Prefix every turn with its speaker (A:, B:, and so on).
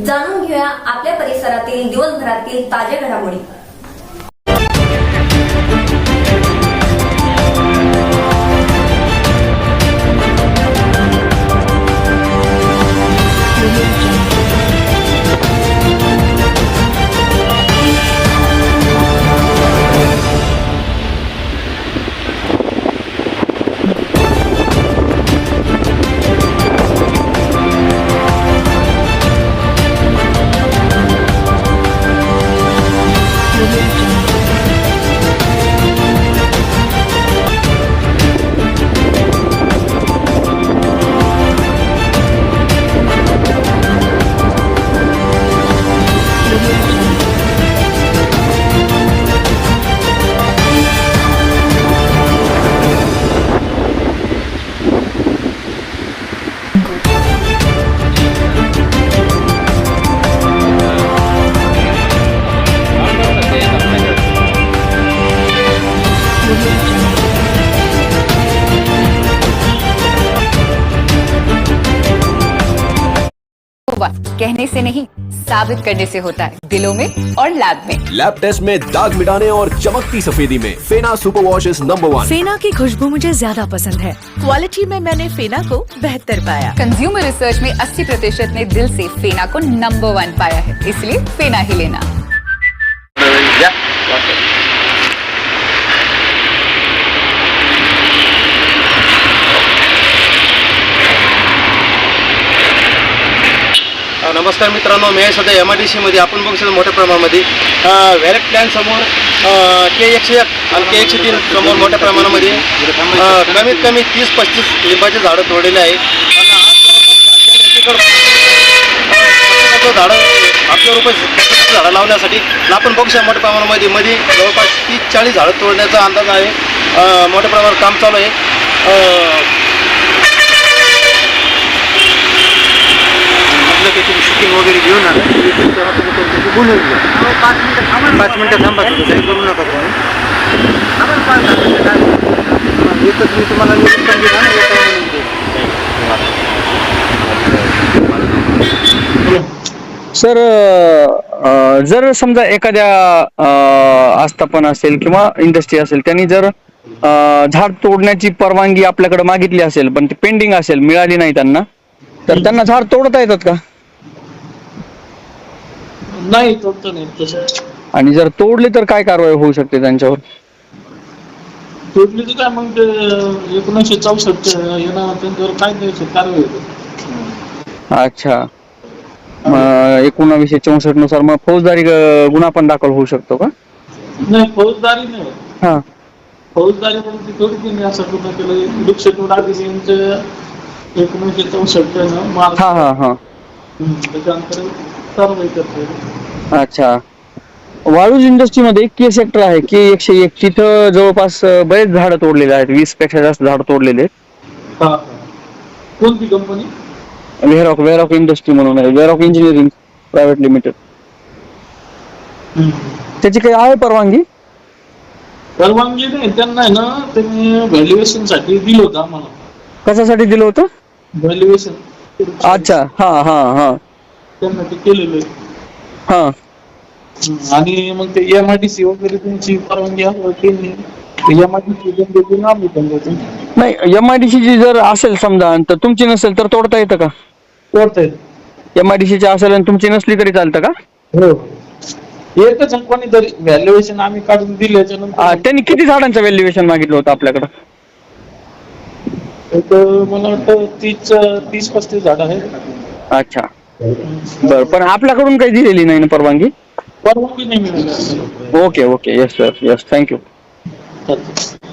A: जाणून घेऊया आपल्या परिसरातील दिवसभरातील ताज्या घडामोडी।
B: कहने से नहीं साबित करने से होता है, दिलों में और लैब में।
C: लैब टेस्ट में दाग मिटाने और चमकती सफेदी में Fena super wash is number 1।
D: Fena की खुशबू मुझे ज्यादा पसंद है। क्वालिटी में मैंने फेना को बेहतर पाया।
B: कंज्यूमर रिसर्च में 80% ने दिल से फेना को नंबर 1 पाया है, इसलिए फेना ही लेना।
E: नमस्कार मित्रांनो, मी आहे सध्या MIDC मध्ये। आपण बघू शकता मोठ्या प्रमाणामध्ये व्हॅलेट प्लॅन समोर K101 आणि K103 समोर मोठ्या प्रमाणामध्ये कमीत कमी 30-35 लिंबाचे झाडं तोडलेले आहेत आणि आज झाडं ₹800 झाडं लावण्यासाठी आपण बघू शकता मोठ्या प्रमाणामध्ये मध्ये जवळपास 30-40 झाडं तोडण्याचा अंदाज आहे। मोठ्या प्रमाणावर काम चालू आहे। तुम्ही शूटिंग वगैरे घेऊन आला बोलून घ्या। 5 मिनिटं थांबा, काही करू नका तुम्ही। एकच मी तुम्हाला निरीक्षण दिला ना।
F: सर, जर समजा एखाद्या आस्थापन असेल किंवा इंडस्ट्री असेल, त्यांनी जर झाड तोडण्याची परवानगी आपल्याकडे मागितली असेल पण ती पेंडिंग असेल, मिळाली नाही त्यांना, तर त्यांना झाड तोडता येतात का?
G: नाही, तोडता नाही तसं।
F: आणि जर तोडले तर काय कारवाई होऊ शकते त्यांच्यावर?
G: तोडली तर काय मग ते 1964 यांना त्यांच्यावर काय द्यायचं कारवाई होते।
F: अच्छा, 1964 नुसार मग फौजदारी गुन्हा पण दाखल होऊ शकतो का?
G: नाही, फौजदारी नाही।
F: हा,
G: फौजदारी म्हणजे थोडी केली असं कुठं केलं वृक्षतोड अधिनियमचं 1964 मार्च
F: हा हा हा
G: त्याच्यानंतर कारवाई करते।
F: अच्छा, वाळूज इंडस्ट्रीमध्ये K सेक्टर आहे, K101, तिथं जवळपास बरेच झाडं तोडलेले आहेत, 20 पेक्षा जास्त झाड तोडलेले आहेत।
G: हा, कोणती कंपनी?
F: वेरॉक इंडस्ट्री म्हणून आहे, वेरॉक इंजिनिअरिंग प्रायव्हेट लिमिटेड। त्याची काही आहे परवानगी?
G: परवानगी नाही त्यांना, आहे ना, त्यांनी व्हॅल्युएशन साठी दिलं होतं आम्हाला।
F: कशासाठी दिलं होतं?
G: व्हॅल्युएशन।
F: अच्छा, हा हा हा,
G: त्यांना ते केलेलं आहे।
F: हा,
G: आणि मग ते MIDC वगैरे त्यांची परवानगी असली MIDC आम्ही पण देतो।
F: नाही, MIDC ची जर असेल समजा तर तुमची नसेल तर तोडता येतं का?
G: तोडता येतं।
F: MIDC ची असेल आणि तुमची नसली तरी चालतं का?
G: हो, एकच कोणीतरी व्हॅल्युएशन आम्ही काढून दिल्याच्या नंतर
F: त्यांनी किती झाडांचं व्हॅल्युएशन मागितलं होतं आपल्याकडं?
G: एक मला वाटतं 30-35 झाड आहेत।
F: अच्छा, बरं, पण आपल्याकडून काही दिलेली नाही ना परवानगी?
G: परवानगी नाही मिळाली।
F: Okay okay, yes sir, yes, thank you.
G: चालतं।